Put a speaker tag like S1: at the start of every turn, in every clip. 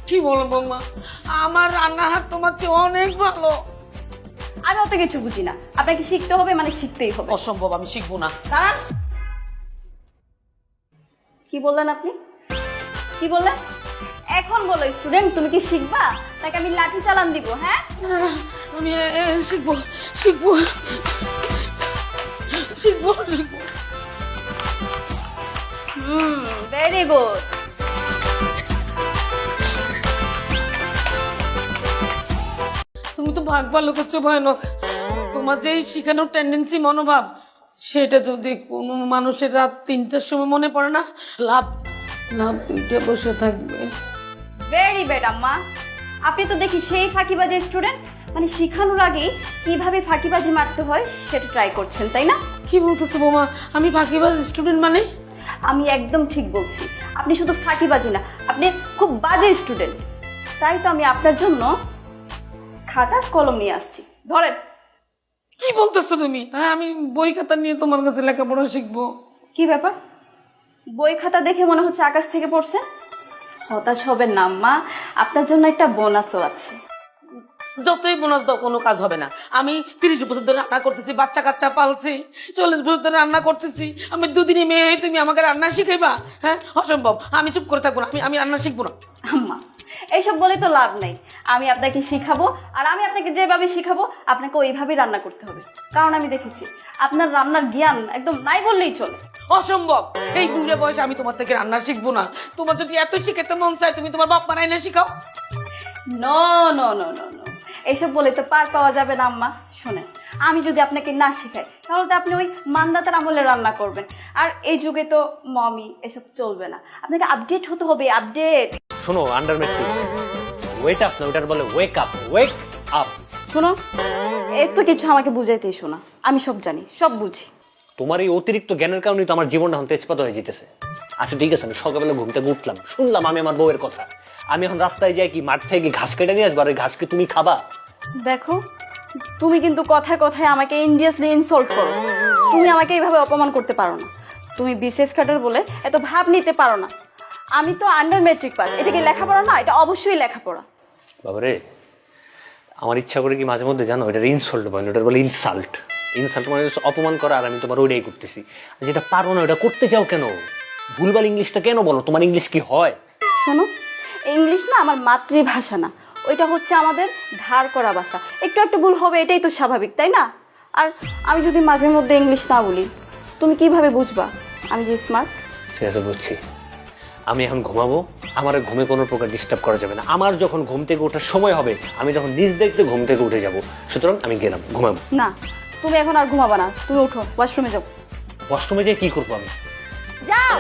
S1: কি বলো বৌমা, আমার রান্নার হাত তোমার চেয়ে অনেক ভালো।
S2: আমি অত কিছু বুঝি না, আপনাকে শিখতে হবে মানে শিখতেই হবে।
S1: অসম্ভব, আমি শিখবো না।
S2: দাঁড়ান, কি বললেন আপনি? কি বললেন? এখন বলো স্টুডেন্ট, তুমি কি শিখবা তাকে আমি লাঠি চালান দিব? হ্যাঁ,
S1: আমি শিখবো শিখবো শিখবো শিখবো।
S2: Very good.
S1: তুমি তো ভাগ ভালো করছো ভয়ানক। তোমার যে শিখানোর টেন্ডেন্সি, মনোভাব, সেটা যদি কোনো মানুষের রাত 3টার সময় মনে পড়ে না, লাভ লাভ 2টা বসে থাকবে।
S2: ভেরি ব্যাড আম্মা। আপনি তো দেখি সেই ফাঁকিবাজি স্টুডেন্ট, মানে শিখানোর আগেই কিভাবে ফাঁকিবাজি মারতে হয় সেটা ট্রাই করছেন, তাই না?
S1: কি বলতেছো বোমা, আমি ফাঁকিবাজ স্টুডেন্ট মানে?
S2: আমি একদম ঠিক বলছি, আপনি শুধু ফাঁকিবাজি না, আপনি খুব বাজে স্টুডেন্ট। তাই তো আমি আপনার জন্য খাতা কলম নিয়ে আসছি, ধরেন।
S1: কি বলতেছো তুমি? হ্যাঁ, আমি বই খাতা নিয়ে তোমার কাছে লেখাপড়া শিখবো?
S2: কি ব্যাপার, বই খাতা দেখে মনে হচ্ছে আকাশ থেকে পড়ছে? হতাশ হবেন না আম্মা, আপনার জন্য একটা বোনাসও আছে।
S1: যতই বোনাস দাও কোনো কাজ হবে না। আমি 30 বছর ধরে রান্না করতেছি, বাচ্চা কাচ্চা পালছি, 40 বছর ধরে রান্না করতেছি। আমি দুদিনে মেয়ে হয়ে তুমি আমাকে রান্না শিখাইবা? হ্যাঁ, অসম্ভব। আমি চুপ করে থাকবো না, আমি রান্না শিখবো না।
S2: আম্মা, এইসব বলে তো লাভ নেই। আমি আপনাকে শিখাবো, আর আমি আপনাকে যেভাবে শিখাবো আপনাকে ওইভাবেই রান্না করতে হবে। কারণ আমি দেখেছি আপনার রান্নার জ্ঞান একদম নাই বললেই চলে।
S1: অসম্ভব। এই বুড়ে বয়সে আমি তোমার থেকে রান্না শিখবো না। তোমার যদি এত শিখাতে মন চায়, তুমি তোমার বাপ মারাই না শিখাও।
S2: No no no no no, এইসব বলে তো পার পাওয়া যাবে না আম্মা। শোনেন, আমি যদি আপনাকে না শেখাই তাহলে তো আপনি ওই মান্দাতার আমলে রান্না করবেন, আর এই যুগে তো মমি এসব চলবে না। আপনাকে আপডেট হতে হবে, আপডেট।
S3: শোনো, আন্ডার মেট্রিক ওয়েট আপ না, ওটার বলে ওয়েক আপ, ওয়েক আপ।
S2: শোনো, এত কিছু আমাকে বুঝাইতেই শোনা, আমি সব জানি, সব বুঝি।
S3: তোমার এই অতিরিক্ত জ্ঞানের কারণেই তো আমার জীবনটা এখন তেজপাত হয়ে যেতেছে। আচ্ছা ঠিক আছে, আমি সকালবেলা ঘুম থেকে উঠলাম, শুনলাম আমি আমার বউয়ের কথা। আমি এখন রাস্তায় যাই কি মাঠ থেকে ঘাস কেটে নিয়ে আসবো, আর ওই ঘাস কি তুমি খাবা?
S2: দেখো, তুমি কিন্তু কথায় কথায় আমাকে ইন্ডিয়াসলি ইনসল্ট করো। তুমি আমাকে এইভাবে অপমান করতে পারো না। তুমি বিশেষ কাটার বলে এত ভাব নিতে পারো না। আমি তো আন্ডার মেট্রিক পাস, এটা কি লেখাপড়া না? এটা অবশ্যই লেখাপড়া।
S3: বাবারে, আমার ইচ্ছা করে কি মাঝে মধ্যে জানো, এটার ইনসল্ট বলে, ওটার বলে ইনসাল্ট। ইনসাল্ট মানে হচ্ছে অপমান করা, আর আমি তোমার ওইটাই করতেছি। আর যেটা পারো না ওটা করতে চাও কেন? ভুলভাল ইংলিশটা কেন বলো? তোমার ইংলিশ কি হয়?
S2: শোনো, ইংলিশ না আমার মাতৃভাষা না, ওইটা হচ্ছে আমাদের ধার করা ভাষা। একটু একটু ভুল হবে, এটাই তো স্বাভাবিক, তাই না? আর আমি যদি মাঝে মধ্যে ইংলিশ না বলি, তুমি কিভাবে বুঝবা আমি যে স্মার্ট?
S3: ঠিক আছে, বুঝছি। আমি এখন ঘুমাবো, আমার ঘুমে কোনো প্রকার ডিস্টার্ব করা যাবে না। আমার যখন ঘুম থেকে ওঠার সময় হবে, আমি তখন নিজ দেখতে ঘুম থেকে উঠে যাব। সুতরাং আমি গেলাম, ঘুমাবো।
S2: না, তুমি এখন আর ঘুমাবা না, তুমি উঠো, ওয়াশরুমে যাও।
S3: ওয়াশরুমে যেয়ে কি করবো আমি?
S2: যাও।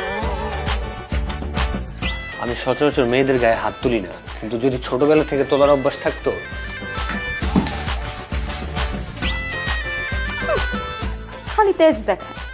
S3: আমি সচরাচর মেয়েদের গায়ে হাত তুলি না, কিন্তু যদি ছোটবেলা থেকে তোলার অভ্যাস থাকতো।
S2: খালি তেজ দেখায়।